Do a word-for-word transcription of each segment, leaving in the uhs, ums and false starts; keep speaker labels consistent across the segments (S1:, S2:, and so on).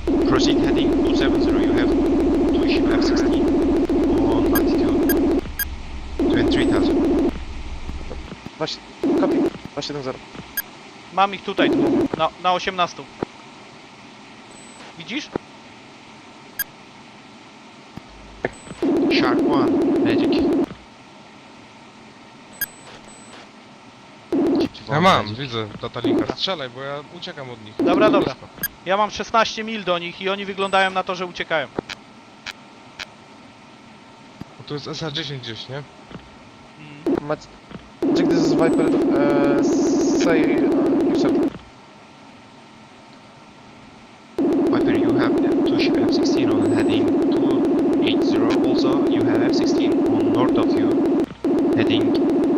S1: Proceed heading two seven zero. You have two ship F sixteen on altitude twenty-three thousand.
S2: Właśnie, kopi. dwa siedem zero.
S3: Mam ich tutaj, na, na osiemnaście. Widzisz?
S1: Shark one. Magic.
S4: Ja mam, widzę datalinka. Strzelaj, bo ja uciekam od nich.
S3: Dobra, dobra. Ja mam szesnaście mil do nich i oni wyglądają na to, że uciekają.
S4: Bo tu jest S A dziesięć gdzieś, nie?
S3: Mm.
S2: Macie... Check this is Viper, uh, say... Uh, you said.
S1: Viper, you have two ship F sixteen on heading two eight zero. Also, you have F sixteen on north of you, heading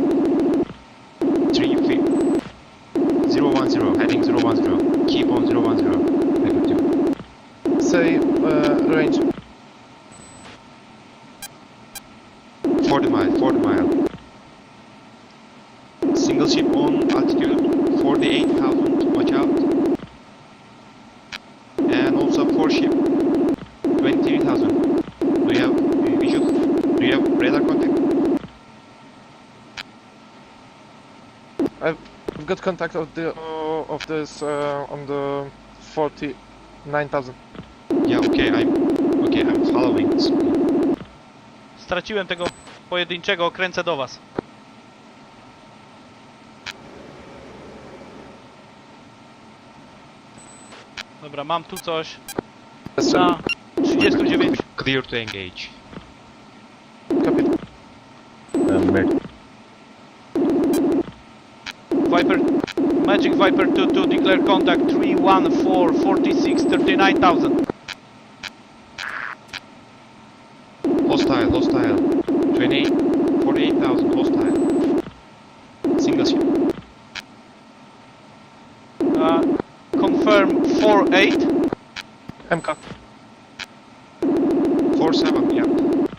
S1: three zero one zero. Heading zero one zero. Keep on zero one zero. Viper two.
S2: Say, uh, range.
S1: forty mile. forty mile. Single ship on altitude forty-eight thousand. Watch out. And also four ship twenty-three thousand. Do you have visual? Do you have radar contact?
S2: I've got contact of the uh, of this uh, on the forty-nine thousand.
S1: Yeah. Okay. I'm. Okay. I'm following. This.
S3: Straciłem tego pojedynczego, kręcę do was. Dobra, mam tu coś na trzydzieści dziewięć.
S1: Clear to engage.
S2: Copy.
S3: Viper, Magic Viper two two, declare contact three one four forty-six thirty-nine thousand.
S1: Hostile. Hostile. twenty-eight. forty-eight thousand. Hostile. Single ship.
S3: Uh, confirm four eight.
S2: M K.
S1: four seven. Yeah.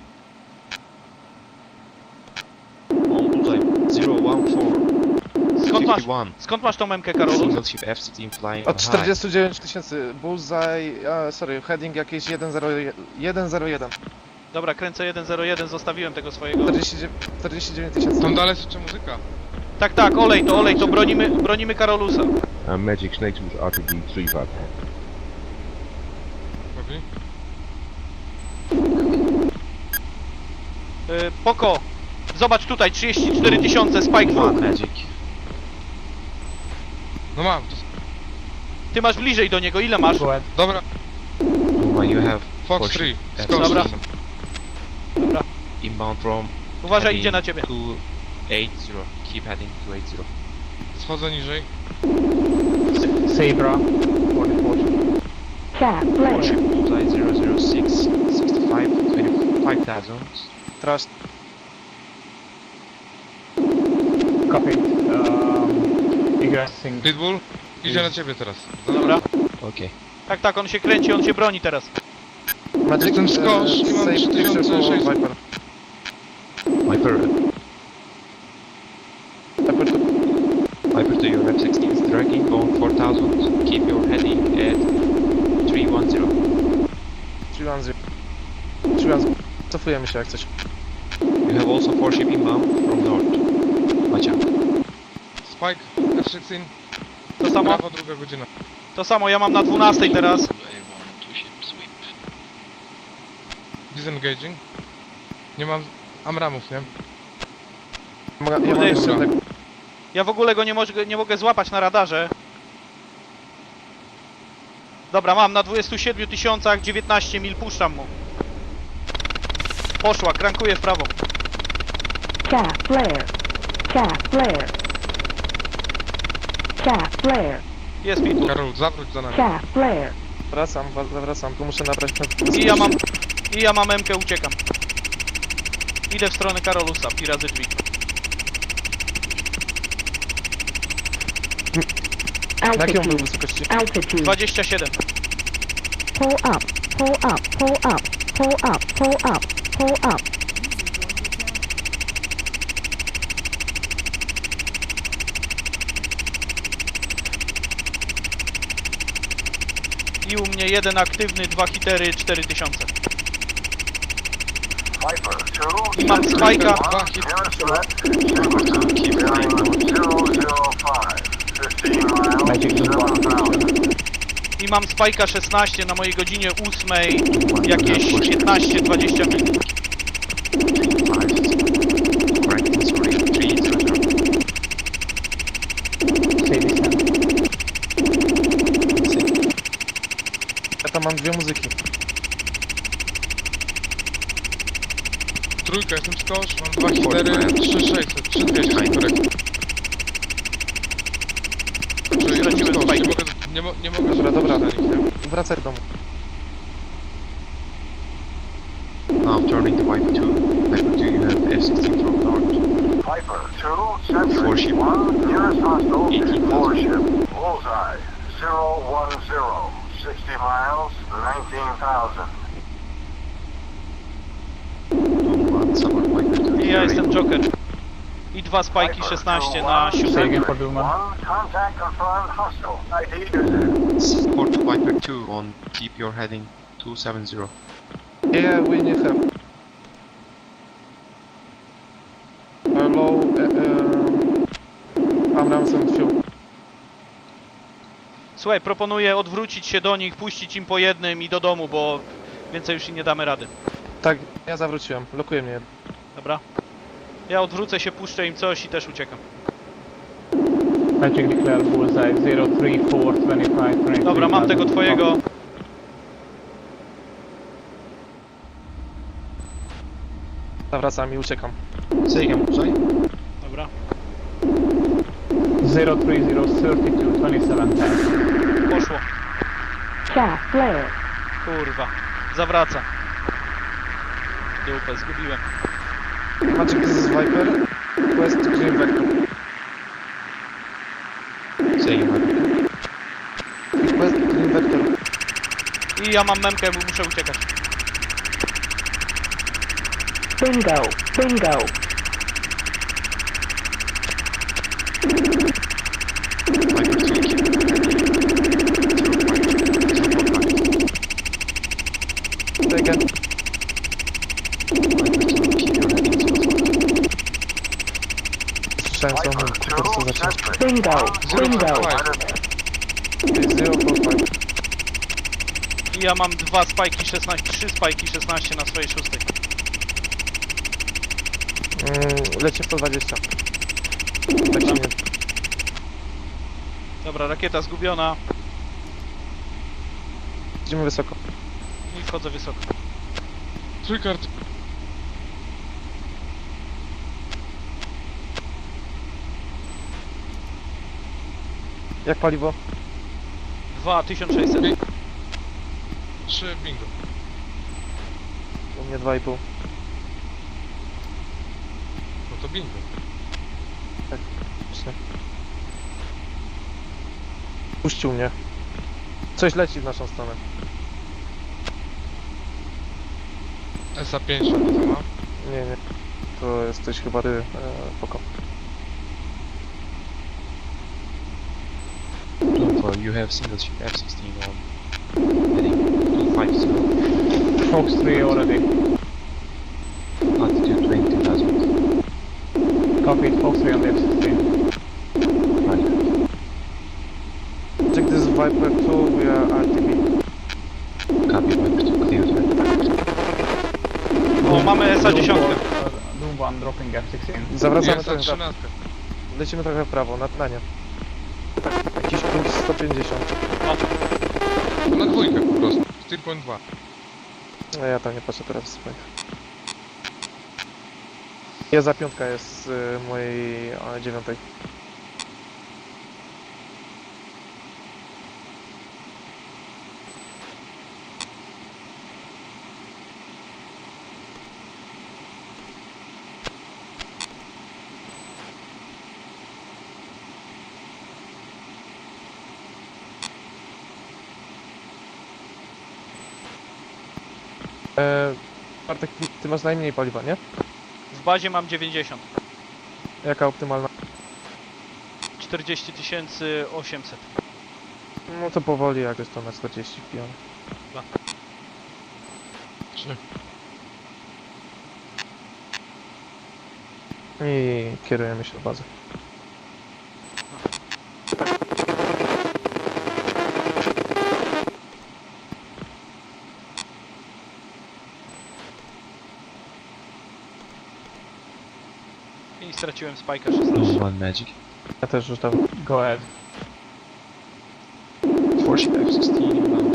S1: On bullseye. zero one four.
S3: Skąd masz,
S1: fifty-one.
S3: skąd masz tą memkę, Karolu?
S1: Single ship F sixteen flying
S2: Od
S1: high.
S2: czterdzieści dziewięć tysięcy. Bullseye, uh, sorry, heading jakieś jeden zero jeden.
S3: Dobra, kręcę jeden zero jeden, zostawiłem tego swojego.
S2: czterdzieści dziewięć tysięcy.
S4: Tam dalej jeszcze muzyka.
S3: Tak, tak, olej to, olej to, bronimy, bronimy Karolusa.
S5: Uh, Magic Snakes with R T D three five.
S4: Robi?
S3: Yy, Poko, zobacz tutaj, trzydzieści cztery tysiące, Spike
S1: One
S3: dwa.
S1: magic.
S4: No mam, to...
S3: Ty masz bliżej do niego, ile masz?
S4: Dobra,
S1: One you have
S4: Fox
S1: four
S4: trzy,
S1: ship F
S4: skocz.
S3: Dobra.
S1: sixteen
S3: Dobra,
S1: inbound from
S3: uważaj,
S1: heading
S3: idzie na ciebie.
S1: two eight zero. Keep heading two eight zero.
S4: Schodzę niżej.
S6: Sabra, forty-four.
S7: Chat,
S1: Four
S7: player.
S1: ship bullseye zero zero six sixty-five twenty-five thousand.
S2: Trust.
S6: Copy. Um, egressing.
S4: Pitbull, idzie na ciebie teraz.
S3: Dobra.
S1: Okay.
S3: Tak, tak, on się kręci, on się broni teraz.
S2: Magic,
S4: Jestem skosz i mam
S2: save
S4: trzy tysiące
S2: picture for
S4: sześćset.
S2: Viper.
S1: Viper,
S2: Viper two.
S1: Viper to your F sixteen is tracking on four thousand. Keep your heading at three one zero.
S2: three one zero. three one zero. Cofujemy się jak coś.
S1: You have also four ship inbound from north. Watch out.
S4: Spike, F szesnaście,
S3: To samo,
S4: prawo, druga godzina.
S3: to samo, ja mam na dwunastej teraz.
S4: Disengaging. Nie mam amramów, nie?
S2: Mogę, ja
S3: Kurde,
S2: mam jeszcze
S4: dobra.
S2: jednego.
S3: Ja w ogóle go nie, mogę, nie mogę złapać na radarze. Dobra, mam na dwudziestu siedmiu tysiącach dziewiętnaście mil, puszczam mu. Poszła, krankuję w prawo.
S7: Chat, player. Chat, player. Chat, player.
S3: Jest pitbull.
S4: Karol, zawróć za nami.
S7: Chat, player.
S2: Wracam, wa- zawracam, tu muszę nabrać
S3: I ja mam, i ja mam emkę, uciekam. Idę w stronę Karolusa, pi razy drzwi.
S2: Na jakiej on był
S7: Altitude.
S2: wysokości?
S7: Altitude.
S3: dwadzieścia siedem.
S7: Pull up. Pull up. Pull up. Pull up. Pull up. Pull up.
S3: I u mnie jeden aktywny, dwa hitery, cztery tysiące. I mam spajka.
S4: Dwa hit.
S1: Viper two, keep flying north.
S6: Magic Zoom one.
S3: I mam spajka szesnaście na mojej godzinie ósmej. Jakieś piętnaście dwadzieścia mil.
S1: Correct, sorry, three zero zero.
S6: Say descent.
S2: Ja tam mam dwie muzyki.
S4: Trójka, jestem skosz, mam dwa hitery, trzy sześćset, trzy dwieście, korekt. Znaczy, jestem
S3: Straciłem
S4: skosz, nie
S3: spike.
S4: mogę, nie, mo nie mogę
S2: Dobra, dobra.
S4: na nich, nie?
S2: Wracaj do domu.
S1: Now turning to Viper two. Viper two, you have F sixteen from north.
S8: Viper two, Sentry
S1: Four ship.
S8: one, nearest hostile,
S1: eighteen
S8: four
S1: thousand.
S8: ship, bullseye, zero one zero, sixty miles, nineteen thousand.
S1: One support Viper two.
S3: I ja jestem Joker. I dwa spajki szesnaście na
S6: Say
S3: siódmej.
S6: again for Duma.
S8: One, contact confirmed hostile. I D is
S1: Support Viper two on keep your heading two seven zero.
S2: Yeah, we need help. Uh, low, uh, uh, Abrams and fuel.
S3: Słuchaj, proponuję odwrócić się do nich, puścić im po jednym i do domu, bo więcej już im nie damy rady.
S2: Tak, ja zawróciłem. Lokuje mnie.
S3: Dobra? Ja odwrócę się, puszczę im coś i też uciekam.
S6: Magic declare bullseye zero three four twenty-five twenty-three.
S3: Dobra, mam tego twojego.
S2: Zawracam i uciekam.
S1: Say again, sorry?
S3: Dobra.
S6: zero three zero thirty-two twenty-seven ten.
S3: Poszło.
S7: Gas flare.
S3: Kurwa. Zawraca. Dupę, zgubiłem.
S2: Magic, this is Viper. West Green Vector.
S1: Say again, Viper.
S2: West Green Vector.
S3: I ja mam memkę, bo muszę uciekać.
S7: Bingo. Bingo.
S1: Viper two, keep your heading zero five, zero four five.
S2: Say again.
S1: Viper two, keep your heading zero four five.
S2: Słyszałem co on
S8: Viper
S2: po prostu
S8: two,
S2: zaczął.
S8: Sentry.
S7: Bingo. Bingo.
S2: zero four five.
S3: I ja mam dwa spajki szesnaście, trzy spajki szesnaście na swojej szóstej.
S2: Mm, leci sto dwadzieścia. Tak się nie...
S3: Dobra, rakieta zgubiona.
S2: Idziemy wysoko.
S3: I wchodzę wysoko.
S4: Trójkart.
S2: Jak paliwo?
S3: dwa tysiące sześćset.
S4: Trzy bingo.
S2: U mnie dwa i pół.
S4: No to bingo.
S2: Właśnie. Puścił mnie. Coś leci w naszą stronę.
S4: S A pięć to ma.
S2: Nie, nie. To jesteś chyba ty, e, poko.
S1: Alpha, you have single ship F sixteen on heading two five zero.
S6: Fox three already.
S1: Altitude twenty-two thousand.
S6: Copy Fox three on the F sixteen.
S1: Right.
S2: Check this Viper two, we are R T B.
S1: Copy, Viper two, clear to
S3: O, mamy S A dziesięć.
S6: Doom one dropping F sixteen.
S2: Zawracamy
S4: Jest
S2: trochę w prawo.
S4: trzynastka.
S2: Lecimy trochę w prawo, na, na nie. Tak, jakiś puls sto pięćdziesiąt.
S4: To na dwójkę po prostu. cztery point dwa.
S2: No ja tam nie patrzę teraz w swoich. Ja za piątka jest z y, mojej a, dziewiątej. E, Bartek, ty- ty masz najmniej paliwa, nie?
S3: W bazie mam dziewięćdziesiąt.
S2: Jaka optymalna?
S3: czterdzieści tysięcy osiemset.
S2: No to powoli, jak jest to na czterdzieści wbijamy.
S4: Trzy.
S2: I kierujemy się do bazy.
S3: I straciłem spajka szesnaście.
S1: One Magic.
S2: Ja też rzucam.
S6: Go ahead.
S1: four ship F sixteen inbound.